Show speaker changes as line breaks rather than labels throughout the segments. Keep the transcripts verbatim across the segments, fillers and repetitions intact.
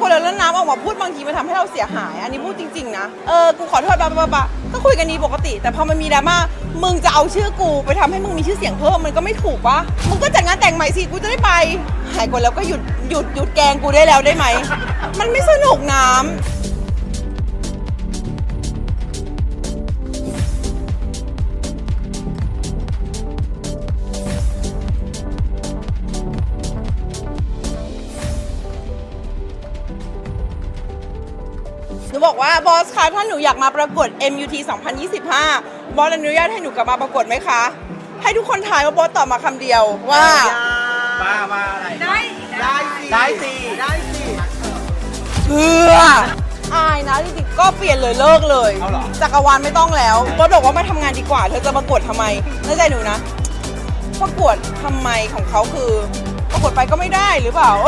คนแล้วน้ำออกมาพูดบางทีมันทำให้เราเสียหายอันนี้พูดจริงๆนะเออกูขอโทษบ้าบ้าบ้าก็คุยกันดีปกติแต่พอมันมีดราม่ามึงจะเอาชื่อกูไปทำให้มึงมีชื่อเสียงเพิ่มมันก็ไม่ถูกปะมึงก็จัดงานแต่งใหม่สิกูจะได้ไปหายคนแล้วก็หยุดหยุดหยุดแกงกูได้แล้วได้ไหมมันไม่สนุกน้ำหนูบอกว่าบอสคะถ้าหนูอยากมาประกวด เอ็ม ยู ที สองพันยี่สิบห้าบอสอนุญาตให้หนูกลับมาประกวดไหมคะให้ทุกคนทายว่าบอสตอบมาคำเดียวว่า
มามาอะไร
ได้
ได้ได้สิได้สิ
เพื่ออายนะจริงๆก็เปลี่ยนเลยเลิกเลยจักรวาลไม่ต้องแล้วบอสบอกว่ามาทำงานดีกว่าเธอจะประกวดทำไมเข้าใจหนูนะประกวดทำไมของเขาคือประกวดไปก็ไม่ได้หรือเปล่า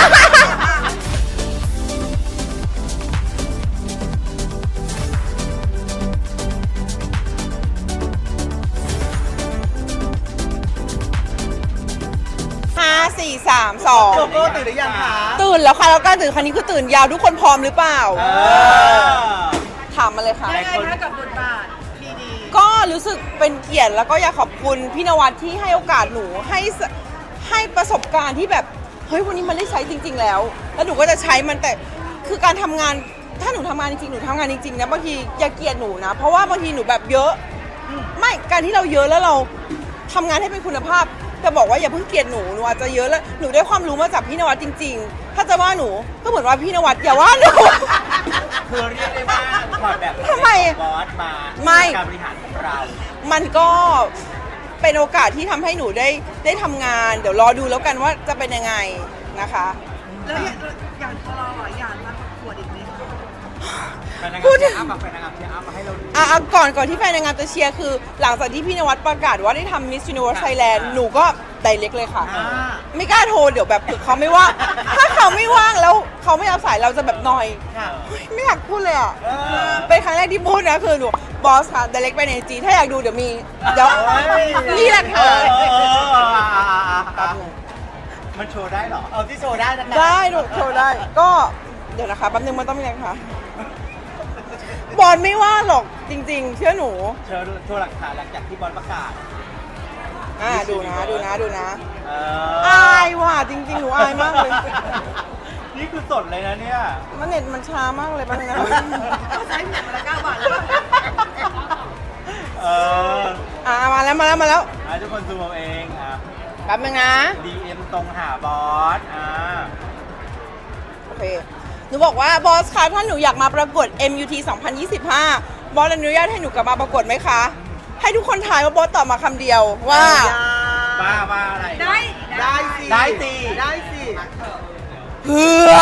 ห้า สี่ สาม สอง
โกโก้ตื่นหรือยังคะ
ตื่นแล้วค่ะแล้วการตื่นครั้งนี้คือตื่นยาวทุกคนพร้อมหรือเปล่าถามมาเลยค่ะ
ยังไงคะกับบทบาทพีดี
ก็รู้สึกเป็นเกียรติแล้วก็อยากขอบคุณพี่นวัดที่ให้โอกาสหนูให้ให้ประสบการณ์ที่แบบเฮ้ยวันนี้มันได้ใช้จริงๆแล้วแล้วหนูก็จะใช้มันแต่คือการทำงานถ้าหนูทำงานจริงๆหนูทำงานจริงๆนะบางทีอย่าเกลียดหนูนะเพราะว่าบางทีหนูแบบเยอะไม่การที่เราเยอะแล้วเราทำงานให้เป็นคุณภาพจะบอกว่าอย่าเพิ่งเกลียดหนูหนูอาจจะเยอะแล้วหนูได้ความรู้มาจากพี่นวัดจริงๆถ้าจะว่าหนูก็เหมือนว่าพี่นวัดอย่าว่าหนู
คือเรียกได้ว่าถอดแบบ
ทำไม
บอสมาการบริหารของเรา
มันก็เป็นโอกาสที่ทำให้หนูได้ได้ทำงานเดี๋ยวรอดูแล้วกันว่าจะเป็นยังไงนะคะ
แล้วอย่างพอเราอยากมาประกวดอีกไหม
พูดถึงอ้ำกับแฟนนางงามเชียร์อ้ำมาให้เรา
อ่ะก่อนก่อนที่แฟนนางงามจะเชียร์คือหลังจากที่พี่นวัดประกาศว่าได้ทำ Miss Universe Thailand หนูก็ไดเรกเลยค่ะไม่กล้าโทรเดี๋ยวแบบเขาไม่ว่างถ้าเขาไม่ว่างแล้วเขาไม่รับสายเราจะแบบนอยไม่อยากพูดเลยอ่ะเป็นครั้งแรกที่พูดนะคือหนูบอสค่ะไดเรกไปในจีถ้าอยากดูเดี๋ยวมีเดี๋ยวนี่แหละค่ะ
มันโชว์ได้เหรอเอาที่โชว์ได้นะคะ
ได้หนูโชว์ได้ก็เดี๋ยวนะคะแป๊บนึงมันต้องมีอะไรคะบอลไม่ว่าหรอกจริงๆเชื่อหนู
เชิญโชว์หลักฐานหลังจากที่บอลประกาศ
อ่าดูนะดูนะดูนะอายว่ะจริงๆหนูอายมากเลย
นี่คือสดเลยนะเนี่ย
มันเน็ตมันช้ามากเลยป่ะนะ
ใช้เน็ตมาละเก้าบาทแล้ว
เออ
อ่ามาแล้วมาแล้วมาแล้ว
อ่าทุกคนซูมเอาเองอ่ะ
แป๊บนึงนะ
ดี เอ็ม ตรงหาบอสอ่า
โอเคหนูบอกว่าบอสคะถ้าหนูอยากมาประกวด เอ็ม ยู ที สองพันยี่สิบห้าบอสอนุญาตให้หนูกลับมาประกวดไหมคะให้ทุกคนทายว่าบอสตอบมาคำเดียวว่า
มามาอะไร
ได้
ได้สิได้สิได้สิ
เพื่อ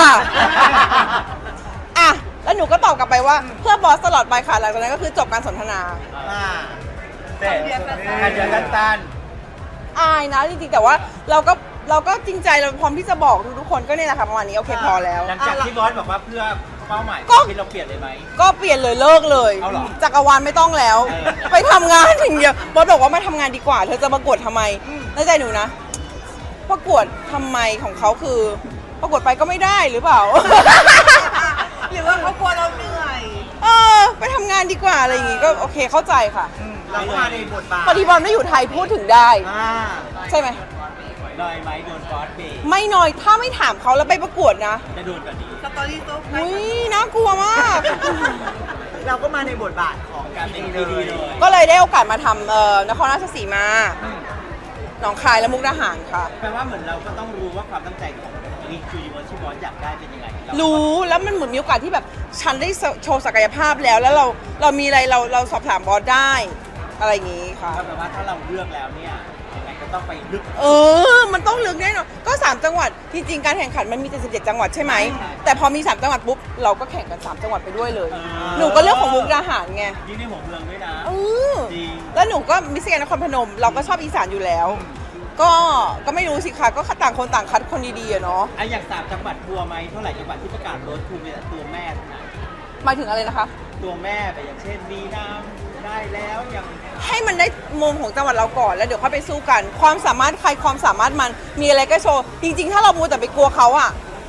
อ่ะแล้วหนูก็ตอบกลับไปว่าเพื่อบอสตลอดไปค่ะหลังจากนั้นก็คือจบการสนทนา
อ่าเสร็จการเจอกันตัน
อายนะจริงๆแต่ว่าเราก็เราก็จริงใจเราพร้อมที่จะบอกทุกคนก็เนี่ยแหละค่ะประมาณนี้โอเคพอแล้ว
หลังจากที่บอสบอกว่าเพื่อเป้าหมายที่เราเปลี่ยนเลยไหม
ก็เปลี่ยนเลยเลิกเลยจักรวาลไม่ต้องแล้วไปทำงานอย่างเดียวบอสบอกว่ามาทำงานดีกว่าเธอจะประกวดทำไมน่าใจหนูนะประกวดทำไมของเขาคือประกวดไปก็ไม่ได้หรือเปล่า
หรือว่าเขากลัวเราเหนื่อย
เออไปทำงานดีกว่าอะไรอย่างงี้ก็โอเคเข้าใจค่ะ
เรามาในบทบาท
พอดีบอลไม่อยู่ไทยพูดถึงได้ใช่ไหม
น้อยไหมโดนบอสเบรก
ไม่น้อยถ้าไม่ถามเขาแล้วไปประกวดนะ
จะโดนแบบนี้
สตอรี่โต๊ะ
อุ้ยน่ากลัวมาก
เราก็มาในบทบาทของการเป็นดีเลย
ก็เลยได้โอกาสมาทำเอ่อนครราชสีมาหนองคายและมุกดาหารค่ะ
แปลว่าเหมือนเราก็ต้องรู้ว่าความตั้งใจของมิส ยูนิเวิร์สที่บอสอยากได้เป็นยังไง
รู้แล้วมันเหมือนมีโอกาสที่แบบฉันได้โชว์ศักยภาพแล้วแล้วเราเรามีอะไรเราเราสอบถามบอสได้อะไรอย่างงี้ค่ะ
แปลว่าถ้าเราเลือกแล้วเนี่ยยังไงก็ต้องไปลึก
เออมันต้องลึกแน่นอนก็สามจังหวัดจริงๆการแข่งขันมันมีเจ็ดสิบเจ็ดจังหวัดใช่ไหมแต่พอมีสามจังหวัดปุ๊บเราก็แข่งกันสามจังหวัดไปด้วยเลยหนูก็เลือกของมุกดาหารไง
ยิ่งในหัวเมืองด้วยนะ
เออแล้วหนูก็มิสแกรนด์นครพนมเราก็ชอบอีสานอยู่แล้วก็ก็ไม่รู้สิคะก็ต่างคนต่างคัดคนดีๆอะเนาะ
ไออย่างสามจังหวัดทัวร์ไหมเท่าไหร่จังหวัดที่ประกาศรถทัวร์มีแต่ตัวแม่นะ
หมายถึงอะไรนะคะ
ตัวแม่แต่อย่างเช่นมีน้ำได้แล้วอย่าง
ให้มันได้มุมของจังหวัดเราก่อนแล้วเดี๋ยวค่อยไปสู้กันความสามารถใครความสามารถมันมีอะไรก็โชว์จริงๆถ้าเรามัวแต่ไปกลัวเขาอะ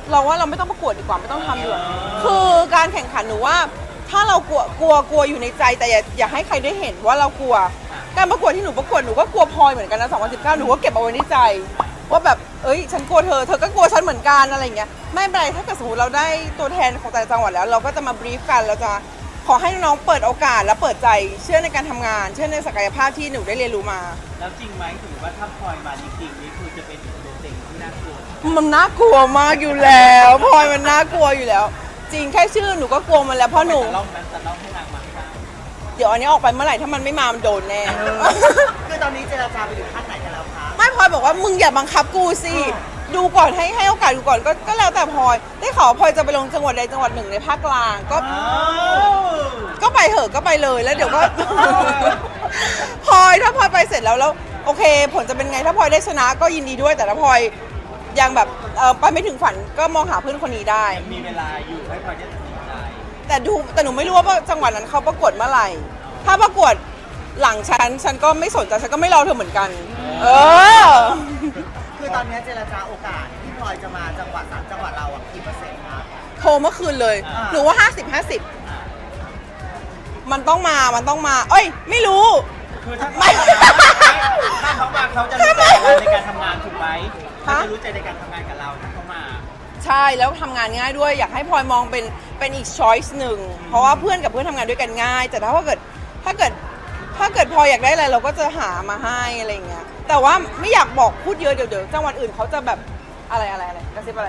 เราว่าเราไม่ต้องประกวดดีกว่าไม่ต้องทำดีกว่าคือการแข่งขันหนูว่า ถ้าเรากลัวกลัวกลัวอยู่ในใจแต่อย่าอย่าให้ใครได้เห็นว่าเรากลัว การประกวดที่หนูประกวดหนูก็กลัวพลอยเหมือนกันนะสองพันสิบเก้าหนูก็เก็บเอาไว้ในใจ ว่าแบบเอ้ยฉันกลัวเธอเธอก็กลัวฉันเหมือนกันอะไรอย่างเงี้ยไม่เป็นไรถ้าเกิดสมมติเราได้ตัวแทนของแต่ละจังหวัดแล้ว เราก็จะมาบรีฟกันเราจะขอให้น้องๆเปิดโอกาสและเปิดใจเชื่อในการทำงาน เชื่อในศักยภาพที่หนูได้เรียนรู้มา
แล้วจริงไหมถือว่าถ้าพลอยมาจริงๆนี่คือจะเป็นตัวเต็งที่น่ากลัว
มันน่ากลัวมากอยู่แล้วพลอยมันน่ากลัวอยู่แล้ว จริงแค่ชื่อหนูก็กลัวมันแล้วเพราะหนู
แต่ล่องนั้นแต่ล่องให้นางมาให้ได้
เดี๋ยวอันนี้ออกไปเมื่อไหร่ถ้ามันไม่มามันโดนแน่
คือตอนนี้เจรจาไปถึงขั้นไหนกันแล้วคะ
ไม่พลอยบอกว่ามึงอย่าบังคับกูสิดูก่อนให้ให้โอกาสดูก่อนก็ก็แล้วแต่พลอยได้ข่าวว่าพลอยจะไปลงจังหวัดใดจังหวัดหนึ่งในภาคกลางก็
อ้าว
ก็ไปเถอะก็ไปเลยแล้วเดี๋ยวก็ พลอยถ้าพลอยไปเสร็จแล้วแล้วโอเค ผลจะเป็นไงถ้าพลอยได้ชนะก็ยินดีด้วยแต่ถ้าพลอยยังแบบเออไปไม่ถึงฝันก็มองหาเพื่อนคนนี้ได้
ยังมีเวลาอยู่ให้พลอยได้ตัดสินใจ
แต่ดูแต่หนูไม่รู้ว่าจังหวัดนั้นเขาประกวดเมื่อไหร่ ถ้าประกวดหลังฉันฉันก็ไม่สนใจฉันก็ไม่รอเธอเหมือนกัน เออ
คือตอนนี้เจรจาโอกาสที่พลอยจะมาจังหวัดสามจังหวัดเราอ่ะกี่เปอร์เซ็นต์ครับ
โทรเมื่อคืนเลย
อ่า
หนูว่าห้าสิบห้าสิบมันต้องมามันต้องมา เอ้ย ไม่รู้
คือถ้า
ไม่
ถ้าเขามาเขาจะรู้ใจเราในการทำงานถูกไหมเขา
ฮะ
จะรู้ใจในการทำงานกับเราถ้าเขามา
ใช่แล้วทำงานง่ายด้วยอยากให้พลอยมองเป็นเป็นอีกช้อยส์หนึ่งเพราะว่าเพื่อนกับเพื่อนทำงานด้วยกันง่าย แต่ถ้าเกิดถ้าเกิดถ้าเกิดพลอยอยากได้อะไรเราก็จะหามาให้อะไรอย่างเงี้ยแต่ว่าไม่อยากบอกพูดเยอะเดี๋ยวเดี๋ยวจังหวัดอื่นเขาจะแบบอะไรอะไรอะไรกระซิบอะไร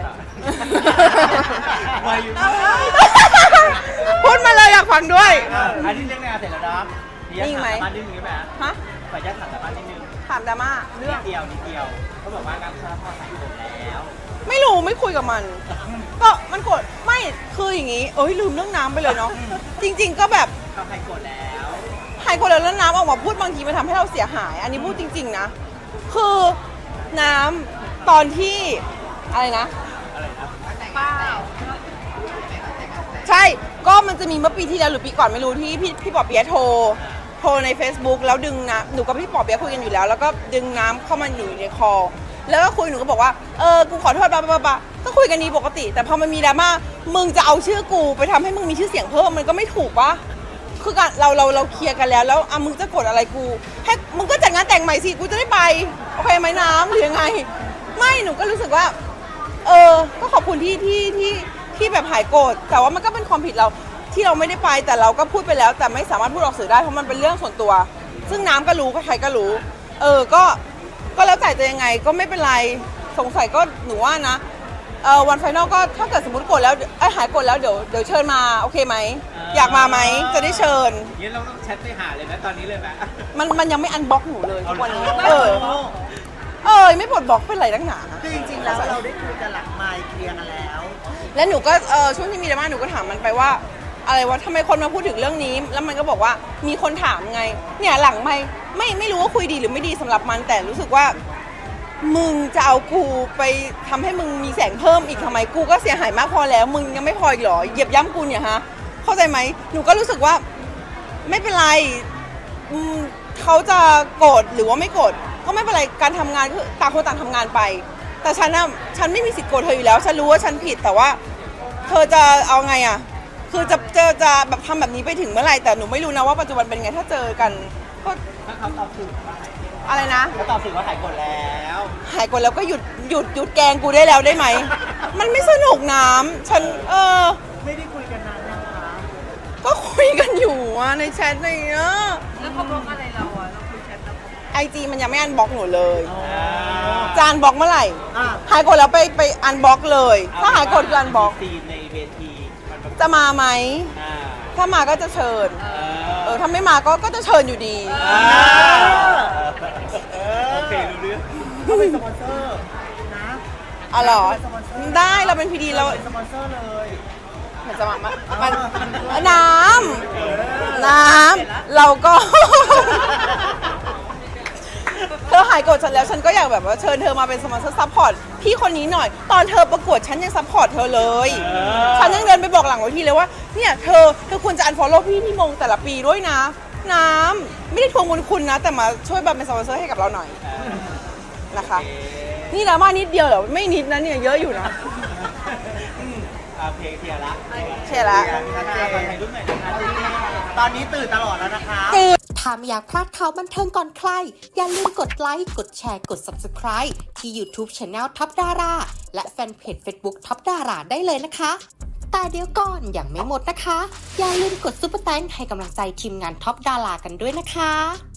มาอยู่
พูดมาเลยอยากฟังด้วย
อ่ะอันนี้เรื่องงานเสร็จแล้วเนาะ
นิ่งไหม
ถาสาบานนิดนึงได้ไหม
ฮะ
ขออนุญาตถามสาบานนิดนึง
ถามดราม่าเรื่
นิ
อง
ดเดียวนิดเดียวเขาบอกว่าการสารภาพใส่ผมแล้ว
ไม่รู้ไม่คุยกับมัน ก็มันกดไม่คืออย่างงี้เอ้ยลืมเรื่องน้ำไปเลยเนาะจริง ๆ ก็แบบ
เขาใครกดแล้ว
หายคนแล้วแล้วน้ำออกมาพูดบางทีมันทำให้เราเสียหาย อันนี้พูดจริง ๆ นะ คือน้ำตอนที่อะไรนะ
อะไรนะ
ใช่ ก็มันจะมีเมื่อปีที่แล้วหรือปีก่อนไม่รู้ที่พี่พี่ปอเปียะโทร โทรใน Facebook แล้วดึงน้ำหนูกับพี่ปอเปียะคุยกันอยู่แล้ว แล้วก็ดึงน้ำเข้ามาอยู่ในคอ แล้วก็คุยหนูก็บอกว่า เออ กูขอโทษบ้าบ้าบ้าก็คุยกันดีปกติ แต่พอมันมีดราม่า มึงจะเอาชื่อกูไปทำให้มึงมีชื่อเสียงเพิ่มมันก็ไม่ถูกปะคือการเราเราเราเคลียร์กันแล้ว แล้วอ่ะมึงจะกดอะไรกู ให้มึงก็จัดงานแต่งใหม่สิ กูจะได้ไป โอเคไหมน้ำหรือยังไง ไม่ หนูก็รู้สึกว่า เออ ก็ขอบคุณที่ที่ที่ที่แบบหายโกรธ แต่ว่ามันก็เป็นความผิดเราที่เราไม่ได้ไป แต่เราก็พูดไปแล้ว แต่ไม่สามารถพูดออกสื่อได้เพราะมันเป็นเรื่องส่วนตัว ซึ่งน้ำก็รู้ใครๆก็รู้ เออ ก็ ก็แล้วแต่จะยังไงก็ไม่เป็นไร สงสัยก็หนูว่านะ เออวันไฟนอลก็ถ้าเกิดสมมติกดแล้วไอ้ยหายกดแล้วเดี๋ยวเดี๋ยวเชิญมาโอเคไหม อยากมาไหมจะได้เชิญ
งั้นเราต้องแชทไปหาเลยไหมตอนนี้เลยไหม
มันมันยังไม่อันบล็อกหนูเลยทุกวันนี้
เอา
เอ
เลย
อ เออไม่ปลดบล็อกเป็นไรตั้งหนา
คือจริงๆแล้วเราได้คุยกันหลังไมค์เคลียร์กันแล้ว
แล้วหนูก็เออช่วงที่มีดราม่าหนูก็ถามมันไปว่า อะไรวะทำไมคนมาพูดถึงเรื่องนี้ แล้วมันก็บอกว่ามีคนถามไง เนี่ยหลังไม่ไม่ไม่รู้ว่าคุยดีหรือไม่ดีสำหรับมันแต่รู้สึกว่า มึงจะเอากูไปทำให้มึงมีแสงเพิ่มอีกทำไมกูก็เสียหายมากพอแล้ว มึงยังไม่พออีกเหรอเหยียบย่ำกูเนี่ยฮะเข้าใจไหมหนูก็รู้สึกว่าไม่เป็นไรอืมเขาจะโกรธหรือว่าไม่โกรธก็ไม่เป็นไรการทำงานคือต่างคนต่างทำงานไป แต่ฉันน่ะฉันไม่มีสิทธิ์โกรธเธออยู่แล้วฉันรู้ว่าฉันผิดแต่ว่า เธอจะเอาไงอ่ะคือจะเจอจะแบบทำแบบนี้ไปถึงเมื่อไหร่แต่หนูไม่รู้นะว่าปัจจุบันเป็นไงถ้าเจอกันก็
ถ้าเขาตอบสื่อว่าหาย
อะไรนะ
เขาตอบสื่อว่าหายกดแล้ว
หายกดแล้วก็หยุดหยุดหยุดแกล้งกูได้แล้วได้ไหม มันไม่สนุกน้ำฉันเออ
ไม่ได้คุยกันนานนะคะ
ก็คุยกันอยู่อะในแชทในเนี้ย
แล้วเขาบล็อกอะไรเราอ่ะเราคุยแชทแล้ว
ไอจีมันยังไม่อันบล็อกหนูเลย
อ่า
จานบล็อกเมื่อไหร่
อ่ะ
หายกดแล้วไปไปอันบล็อกเลย ถ้าหายกดคืออันบล็อก
ซีนในเวทีมันแบบ
จะมาไหม
อ่า
ถ้ามาก็จะเชิญ
เอ
เออถ้าไม่มาก็ก็จะเชิญอยู่ดี
อ่าโอเครู้เรื่อง
เขาเป็นสปอนเซอร์นะ
อ๋อเหรอ ได้เราเป็นพีดีเรา
เป็นสปอนเซอร์เลย
เหมือนจะมามามันน้ำน้ำเราก็ เธอหายโกรธฉันแล้วฉันก็อยากแบบว่าเชิญเธอมาเป็นสปอนเซอร์ซัพพอร์ตพี่คนนี้หน่อย ตอนเธอประกวดฉันยังซัพพอร์ตเธอเลย ฉันยังเดินไปบอกหลังเวทีเลยว่าเนี่ยเธอเธอควรจะอันฟอลโล่พี่ที่มงแต่ละปีด้วยนะ น้ำไม่ได้ทวงบุญคุณนะ แต่มาช่วยแบบเป็นสปอนเซอร์ให้กับเราหน่อยนะคะ นี่ดราม่านิดเดียวเหรอไม่นิดนะเนี่ยเยอะอยู่นะ
อืมโอเคเคลียร์ละ
เชียร์ละ
ชัดเจนถ่ายรูปหน่อยนะคะที่
ตอนนี้ตื่นตลอดแล้วนะคะ
ถ้าไม่อยากพลาดข่าวบันเทิงก่อนใคร อย่าลืมกดไลค์ กดแชร์ กด Subscribe ที่ YouTube Channel ท็อปดาราและแฟนเพจ Facebook ท็อปดาราได้เลยนะคะ แต่เดี๋ยวก่อนอย่างไม่หมดนะคะ อย่าลืมกดซุปเปอร์แตงให้กำลังใจทีมงานท็อปดารากันด้วยนะคะ